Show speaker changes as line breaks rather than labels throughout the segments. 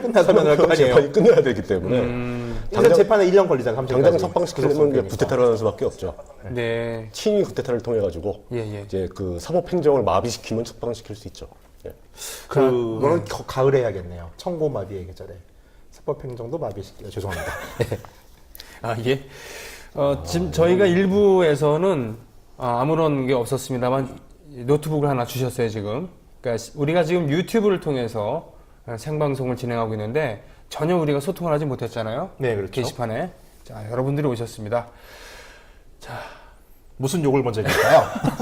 끝나가면 할 거 아니에요.
재판이 끝나야 되기 때문에
일단 재판에 1년 걸리잖아.
당장 석방시키려면 이제 구테타를 하는 수밖에 없죠.
네.
친위 구테타를 통해 가지고
예.
이제 그 사법행정을 마비시키면 석방시킬 수 있죠. 예.
그거는 가을에 해야겠네요. 청고마비의 계절에 사법행정도 마비시키려 죄송합니다.
아, 예. 지금 저희가 일부에서는 아무런 게 없었습니다만 노트북을 하나 주셨어요, 지금. 그러니까 우리가 지금 유튜브를 통해서 생방송을 진행하고 있는데 전혀 우리가 소통을 하지 못했잖아요.
네, 그렇죠.
게시판에. 자, 여러분들이 오셨습니다.
무슨 욕을 먼저 해줄까요?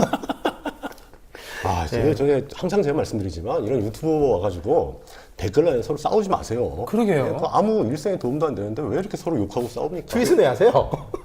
저게 항상 제가 말씀드리지만 이런 유튜버 와가지고 댓글란에 서로 싸우지 마세요.
그러게요.
예, 그 아무 일생에 도움도 안 되는데 왜 이렇게 서로 욕하고 싸웁니까?
트윗은 왜 하세요?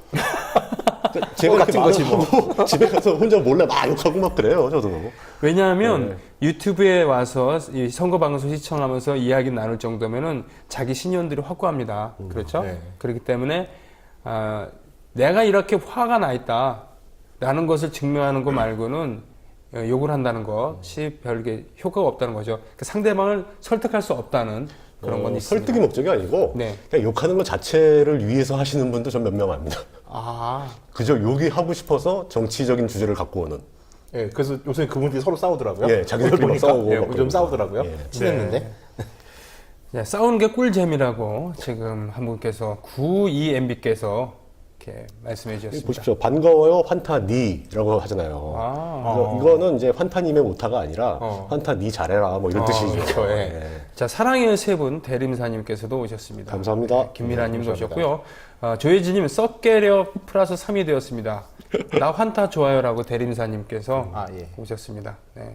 제가 이렇게
같은 거지, 뭐.
말하고 집에 가서 혼자 몰래 막 욕하고 막 그래요, 저도.
왜냐하면 유튜브에 와서 이 선거 방송 시청하면서 이야기 나눌 정도면은 자기 신념들이 확고합니다. 그렇죠?
네.
그렇기 때문에 내가 이렇게 화가 나 있다라는 것을 증명하는 것 말고는 욕을 한다는 것이 별게 효과가 없다는 거죠. 그러니까 상대방을 설득할 수 없다는 그런 건 있습니다.
설득이 목적이 아니고
네.
그냥 욕하는 것 자체를 위해서 하시는 분도 전 몇 명 압니다. 그저 욕이 하고 싶어서 정치적인 주제를 갖고 오는.
예, 그래서 요새 그분들이 서로 싸우더라고요.
예, 자기들끼리 막
보니까,
싸우고
예,
막
좀
그러고.
싸우더라고요.
예.
친했는데.
네, 싸우는 게 꿀잼이라고 지금 한 분께서 92MB께서 이렇게 말씀해 주셨습니다.
보십시오. 반가워요, 환타니라고 하잖아요. 그래서 이거는 이제 환타님의 오타가 아니라 환타니 잘해라 뭐 이런 뜻이죠.
그렇죠, 예.
예.
자, 사랑의 세 분 대림사님께서도 오셨습니다.
감사합니다.
김미라님도 오셨고요. 조혜진님 썩게려 플러스 3이 되었습니다. 나 환타 좋아요라고 대림사님께서
예.
오셨습니다. 네.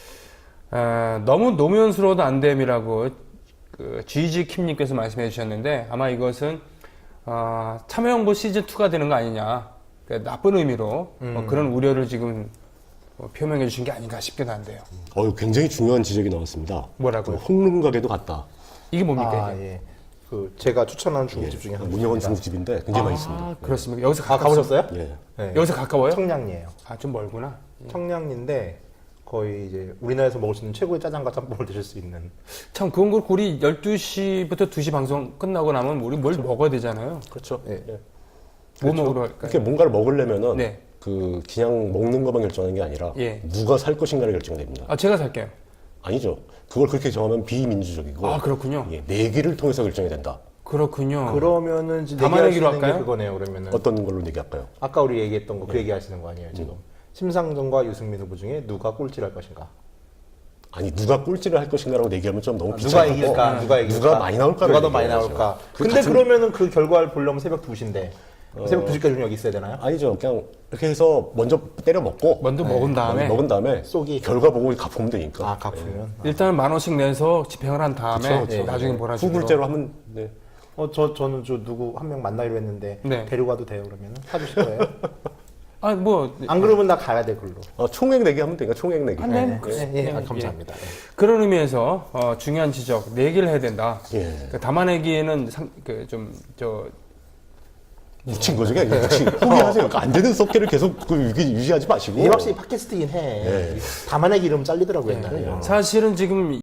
너무 노무현스러워도 안 됨이라고 GG 킴님께서 말씀해 주셨는데 아마 이것은 참여정부 시즌2가 되는 거 아니냐. 그러니까 나쁜 의미로 그런 우려를 지금 표명해 주신 게 아닌가 싶기도 한데요.
굉장히 중요한 지적이 나왔습니다.
뭐라고요?
홍릉가게도 갔다.
이게 뭡니까? 이게?
예. 제가 추천하는 중국집 중에 하나.
문영원 중국집인데 굉장히 맛있습니다.
그렇습니까? 여기서
가보셨어요?
예.
네.
여기서 가까워요?
청량리예요.
좀 멀구나.
청량리인데 거의 이제 우리나라에서 먹을 수 있는 최고의 짜장과 짬뽕을 드실 수 있는.
참 그건 그렇고 우리 12시부터 2시 방송 끝나고 나면 우리 뭘 먹어야 되잖아요.
그렇죠.
예.
뭐 먹으러 갈까요?
이렇게 뭔가를 먹으려면은
네.
그냥 먹는 것만 결정하는 게 아니라
예.
누가 살 것인가를 결정됩니다.
제가 살게요.
아니죠. 그걸 그렇게 정하면 비민주적이고
그렇군요.
내기를 통해서 결정이 된다.
그렇군요.
그러면은 이제
담아내기로
얘기하시는 게
할까요?
그거네요. 그러면은
어떤 걸로 얘기할까요?
아까 우리 얘기했던 거 그 얘기 하시는 거 아니에요 지금? 심상정과 유승민 후보 중에 누가 꼴찌를 할 것인가?
아니 누가 꼴찌를 할 것인가라고 얘기하면 좀 너무
누가
비참하고
이길까? 누가 이길까?
누가 많이 나올까를
누가 더 많이
얘기해야죠.
나올까?
그
근데 그러면은 그 결과를 보려면 새벽 2시인데 새벽 2시까지 여기 있어야 되나요?
아니죠. 그냥 이렇게 해서 먼저 때려 먹고
먼저 먹은 다음에
먹은 다음에
쏙이.
결과 보고 갚으면 되니까.
갚으면.
일단은 10,000원씩 내서 집행을 한 다음에
그쵸.
나중에 몰아주기로.
후불제로 하면 네.
저는 누구 한 명 만나기로 했는데
네.
데려가도 돼요 그러면은? 사주실 거예요? 안 그러면 나 가야 돼 글로.
총액 내기 하면 되니까 총액 내기.
네.
감사합니다.
그런 의미에서 중요한 지적 내기를 해야 된다.
예.
담아내기에는
묻힌 거죠. 그냥 포기하세요. 그러니까 안 되는 썩개를 계속 유지하지 마시고.
이게 확실히 팟캐스트긴 해.
예.
담아내기 이러면 잘리더라고요 옛날에.
사실은 지금